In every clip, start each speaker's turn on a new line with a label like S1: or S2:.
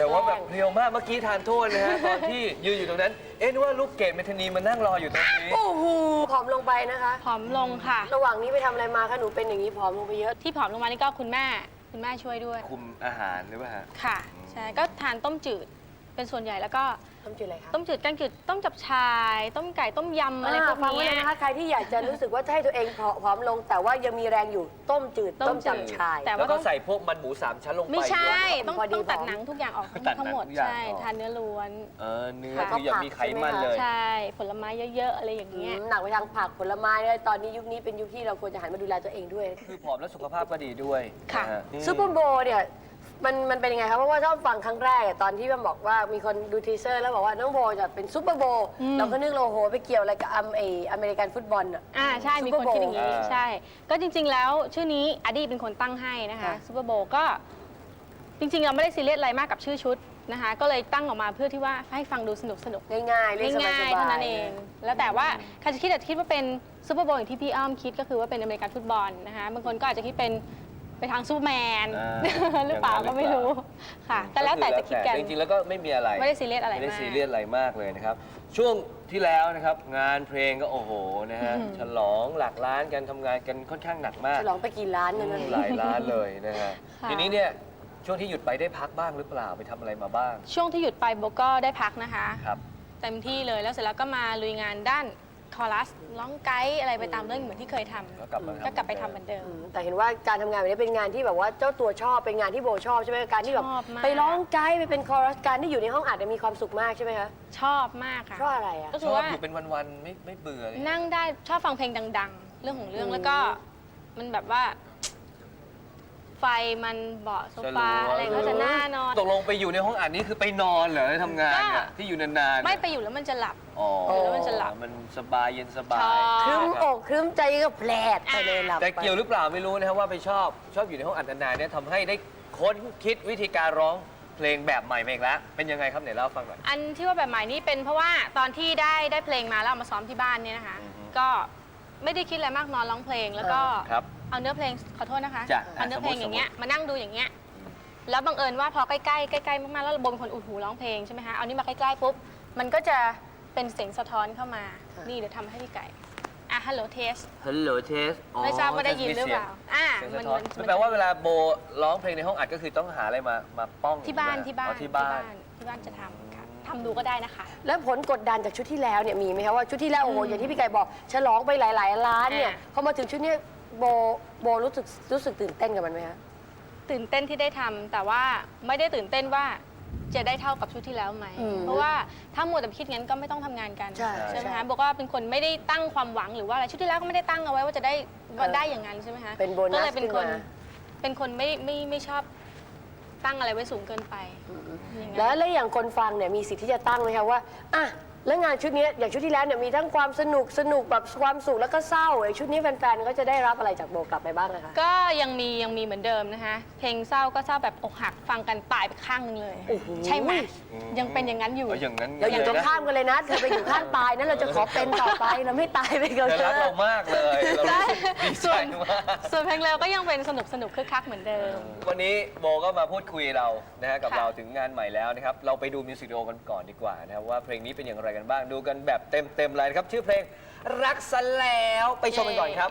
S1: ว่าแบบเรียวมากเมื่อกี้ทานโทษนะฮะ ตอนที่ยืนอยู่ตรงนั้น เอ๊ะนึกว่าลูกเกดเมทานีมานั่งรออยู่ตรงนี้
S2: โอ้โหผอมลงไปนะคะ
S3: ผอมลงค่ะ
S2: ระหว่างนี้ไปทำอะไรมาคะหนูเป็นอย่างนี้ผอมลงไปเยอะ
S3: ที่ผอมลงมานี่ก็คุณแม่ช่วยด้วย
S1: คุมอาหารหรือเปล่าฮะ
S3: ค่ะ ใช่ ก็ทานต้มจืดเป็นส่วนใหญ่แล้วก็
S2: ต้มจืดอะไรคะ
S3: ต้มจืดแกงจืดต้มจับชาย ต้มไก่ต้มยำอะไรพวก
S2: ฟังไว้
S3: นี้
S2: เลยนะคะใครที่อยากจะรู้สึกว่าจะให้ตัวเองผอมลง แต่ว่ายังมีแรงอยู่ต้มจืดต้มจับชาย
S3: แต่
S1: แล้ว
S3: ว่า
S1: ก็
S3: ต้อง
S1: ใส่พวกมันหมู3 ชั้นลงไป
S3: ไม่ใช่
S1: ด้วย
S3: ต้อง
S2: พอดี
S3: ต้องตัด
S2: ผอม
S3: หนังทุกอย่างออก
S1: ตัดหนัง
S3: ทั้งหมด
S1: ทุกอย่าง
S3: ใช่
S1: ออก
S3: ทานเนื้อล้วน
S1: เนื้อ
S2: แล้วก็
S1: คืออย่ามีไขมันเลย
S3: ใช่ผลไม้เยอะๆอะไรอย่างเงี้ย
S2: หนักไปทางผักผลไม้เลยตอนนี้ยุคนี้เป็นยุคที่เราควรจะหันมาดูแลตัวเองด้วย
S1: คือผอมแล้วสุขภาพก็ดีด้วย
S3: ค่ะ
S1: นฮ
S2: ซูเปอร์โบว์เนี่ยมันเป็นยังไงครับเพราะว่าชอบฟังครั้งแรกตอนที่มันบอกว่ามีคนดูทีเซอร์แล้วบอกว่าน้องโบจะเป็นซูเปอร์โบว์เราก็นึกเราโหไปเกี่ยวอะไรกับอเมริกันฟุตบอลอ่ะ
S3: ใช่มีคนคิดอย่างนี้
S1: Super Bowl
S3: ใช่ ก็จริง ๆ แล้วชื่อนี้อดีเป็นคนตั้งให้นะคะ
S2: ค่ะ
S3: ซูเปอร์โบก็จริง ๆ เราไม่ได้ซีเรียสอะไรมากกับชื่อชุดนะคะ ก็เลยตั้งออกมาเพื่อที่ว่าให้ฟังดูสนุก
S2: ง่ายๆเล่นสบา
S3: ง่าย
S2: ย
S3: ๆ
S2: ๆ
S3: เท่านั้นเอง แล้วแต่ว่าใครจะคิดว่าเป็นซูเปอร์โบอย่างที่พี่อ้อมคิดก็คือว่าเป็นอเมริกันฟุตบอลนะคะบางคนก็อาจจะคิดเป็นไปทางซูเปอร์แมน หรือเปล่าก็ไม่รู้ค่ะก็แล้วแต่จะคิดกัน
S1: จริงๆแล้วก็ไม่มีอะไร
S3: ไม่ได้ซีเรียสอะไร
S1: ไม่ได้
S3: มาก
S1: ซีเรียสอะไรมากเลยนะครับ ช่วงที่แล้วนะครับงานเพลงก็โอ้โหนะฮะฉลองหลักล้านกันทำงานกันค่อนข้างหนักมาก
S2: ฉลองไปกี่ล้านเงินนั้น
S1: หลายล้านเลยนะฮะ
S3: ค่ะ
S1: ทีนี้เนี่ยช่วงที่หยุดไปได้พักบ้างหรือเปล่าไปทำอะไรมาบ้าง
S3: ช่วงที่หยุดไปโบก็ได้พักนะคะ
S1: ครับ
S3: เต็มที่เลยแล้วเสร็จแล้วก็มาลุยงานด้านคอรัสร้องไกด์อะไรไปตามเรื่องเหมือนที่เคยทำ
S1: แล้วกลับมา
S3: ก็กลับไปทำเหมือนเดิม
S2: แต่เห็นว่าการทำงานแบบนี้เป็นงานที่แบบว่าเจ้าตัวชอบเป็นงานที่โบชอบใช่ไหมการที่แบบ
S3: ชอบมาก
S2: ไปร้องไกด์ไปเป็นคอรัสการที่อยู่ในห้องอัดเนี่ยมีความสุขมากใช่ไหมคะ
S3: ชอบมากค่ะ
S2: เพราะอะไรอ่ะ
S3: ก็
S1: ช
S3: คือ
S1: อบ
S3: ว่า
S1: อยู่เป็นวันๆไม่เบื่อเลย
S3: นั่งได้ชอบฟังเพลงดัง ๆ เรื่องของเรื่องแล้วก็มันแบบว่า ไฟมันเบาะโซฟาอะไรก็จะน่านอน
S1: ตกลงไปอยู่ในห้องอัดนี่คือไปนอนเหรอทำงานเนี่ยที่อยู่นานๆ
S3: ไม่ไปอยู่แล้วมันจะหลับ
S1: อ๋อ
S3: แล้วมันจะหลับ
S1: มันสบายเย็นสบา
S3: ช
S1: ย
S3: อบ
S2: ครึ้ม
S1: นะ
S2: อกครึ้มใจก็แผลดไปเลยหลับ
S1: แต่เกี่ยวหรือเปล่าไม่รู้นะครับว่าไปชอบอยู่ในห้องอัดนานๆเนี่ยทำให้ได้ค้นคิดวิธีการร้องเพลงแบบใหม่มาอีกแล้วเป็นยังไงครับไหนเล่าให้ฟังหน่อย
S3: อันที่ว่าแบบใหม่นี่เป็นเพราะว่าตอนที่ได้เพลงมาแล้วเอามาซ้อมที่บ้านเนี่ยนะคะ
S1: อือฮึ
S3: ก็ไม่ได้คิดอะไรมากนอนร้องเพลงแล้วก็
S1: ครับ
S3: เอาเนื้อเพลงขอโทษนะคะ
S1: จ้ะ
S3: เอาเนื้อเพลงอย่างเงี้ยมานั่งดูอย่างเงี้ยแล้วบังเอิญว่าพอใกล้ๆมากๆแล้วระบบเป็นคนอุดหูร้องเพลงใช่ไหมคะเอานี่มาใกล้ๆปุ๊บมันก็จะเป็นเสียงสะท้อนเข้ามานี่เดี๋ยวทำให้พี่ไก่ฮัลโหลเทส
S1: ฮัลโหลเทส
S3: ไม่ทราบว่าได้ยินหรือเปล่ามัน
S1: มันแปลว่าเวลาโบร้องเพลงในห้องอัดก็คือต้องหาอะไรมาป้อง
S3: ที่บ้าน
S1: อ๋อ
S3: ที่
S1: ที่บ้าน
S3: จะทำค่ะทำดูก็ได้นะคะ
S2: แล้วผลกดดันจากชุดที่แล้วเนี่ยมีไหมคะว่าชุดที่แล้วโอ้โหอย่างที่พี่ไก่บอกฉลองไปหลายๆล้านเนี่ยพอมาถึงชุดเนี้ยโบรู้สึกตื่นเต้นกับมันไหมคะ
S3: ตื่นเต้นที่ได้ทำแต่ว่าไม่ได้ตื่นเต้นว่าจะได้เท่ากับชุดที่แล้วไหม เพราะว่าถ้ามัวแต่คิดงั้นก็ไม่ต้องทำงานกัน
S2: ใช่
S3: ไหมคะบอกว่าเป็นคนไม่ได้ตั้งความหวังหรือว่าอะไรชุดที่แล้วก็ไม่ได้ตั้งเอาไว้ว่าจะได้อย่างนั้นใช่ไหมคะ
S2: เป็นโบนัส
S3: ก็เลยเป็นคน
S2: ขึ้นมา
S3: เป็นคนไม่ชอบตั้งอะไรไว้สูงเกินไปอย่างนั้น
S2: แล้วอย่างคนฟังเนี่ยมีสิทธิ์ที่จะตั้งไหมคะว่าอ่ะแล้วงานชุดนี้อย่างชุดที่แล้วเนี่ยมีทั้งความสนุกแบบความสุขแล้วก็เศร้าไอ้ชุดนี้แฟนๆก็จะได้รับอะไรจากโบกลับไปบ้างนะคะ
S3: ก็ยังมีเหมือนเดิมนะคะเพลงเศร้าก็เศร้าแบบอกหักฟังกันตายไปข้างหนึงเลย
S2: โอ้โห
S3: ใช่ไหมยังเป็นอย่างนั้นอยู่
S1: เอาอย่างนั้น
S2: เราอยู่ตรง
S1: นะ
S2: ข้ามกันเลยนะ เธอไปอยู่ข้างตายนะเราจะขอเป็นต่อไปเราไม่ตายไปกับ
S1: เธอ
S2: เธ
S1: รัก
S2: อ
S1: เรามากเลยเรารู้สึกดีใจ
S3: ส่วน
S1: มาก
S3: ส่วนเพลงเร็วก็ยังเป็นสนุกคึกคักเหมือนเดิม
S1: วันนี้โบก็มาพูดคุยเรานะฮะกับ
S3: ค่ะ
S1: เราถึงงานใหม่แล้วนะครับเราไปดูมิวสิกวิดีโอกันก่อนดีกว่านะครับว่าเพลงนี้เป็นอย่างไรกันบ้างดูกันแบบเต็มเลยนะครับชื่อเพลงรักซะแล้วไปชมกันก่อนครับ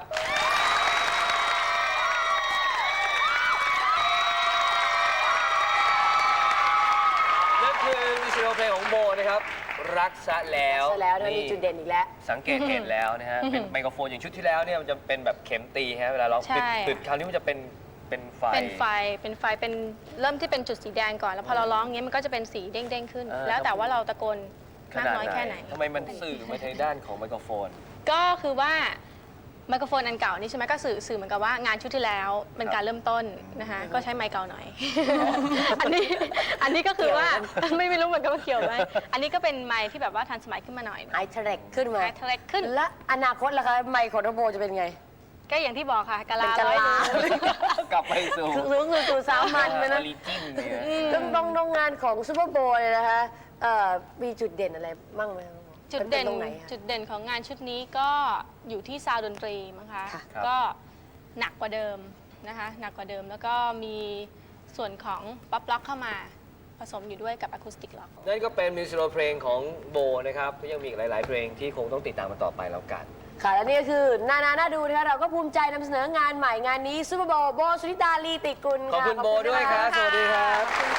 S1: นั่นคือมิวสิกวิดีโอเพลงของโบนะครับรักซะแล้ว
S2: ใช่แล้วนะมีจุดเด่นอีกแล้ว
S1: สังเกตเห็นแล้วนะฮะเป็นไมโครโฟนอย่างชุดที่แล้วเนี่ยมันจะเป็นแบบเข็มตีฮะเวลาเรา
S3: ใช่
S1: ปิดคราวนี้มันจะเป็นไฟ
S3: เป็นเริ่มที่เป็นจุดสีแดงก่อนแล้วพอเราร้องอย่างเงี้ยมันก็จะเป็นสีเด้งๆขึ้น แล้วแต่ว่าเราตะโกนมากน้อยแค่ไหน
S1: ทำไมมันสื่อมาทางด้านของไมโครโฟน
S3: ก็คือว่าไมโครโฟนอันเก่านี่ใช่ไหมก็สื่อเหมือนกับว่างานชุดที่แล้วเป็นการเริ่มต้นนะคะก็ใช้ไมค์เก่าหน่อย อันนี้ก็คือว่า ไม่รู้เหมือนกันว่าเกี่ยวไหมอันนี้ก็เป็นไมค์ที่แบบว่าทันสมัยขึ้นมาหน่อย
S2: ไอเทเร็กขึ้นมา
S3: ไมค์เทเล็กขึ้น
S2: และอนาคตล่ะคะไมค์ของน้องโบจะเป็นไง
S3: ก็อย่างที่บอกค่ะกะลา
S2: เป็นกะลา
S3: ร้อยหนึ่ง
S1: กลับไปสู่
S2: คือสู่สามัญไปนะ
S1: ออริจินเนี่ย
S2: ต้องงานของซูเปอร์โบว์เลยนะคะมีจุดเด่นอะไรบ้างไหมคะ
S3: จุดเด่น
S2: ตรงไหนคะ
S3: จุดเด่นของงานชุดนี้ก็อยู่ที่ซาวด์ดนตรีมั้งคะ
S2: ค่ะ
S3: ก็หนักกว่าเดิมนะคะหนักกว่าเดิมแล้วก็มีส่วนของป๊อปล็อกเข้ามาผสมอยู่ด้วยกับอะคูสติกล็อก
S1: นั่นก็เป็นมิวสิกวิดีโอเพลงของโบนะครับก็ยังมีอีกหลาย ๆ เพลงที่คงต้องติดตามกันต่อไปแล้วกัน
S2: ค่ะและนี่ก็คือน่าดูนะคะเราก็ภูมิใจนำเสนองานใหม่งานนี้ซูเปอร์โบว์โบสุนิตาลีติกุล
S1: ขอบ
S2: ค่ะ
S1: คุณโบด้วยครับ สวัสดีครับ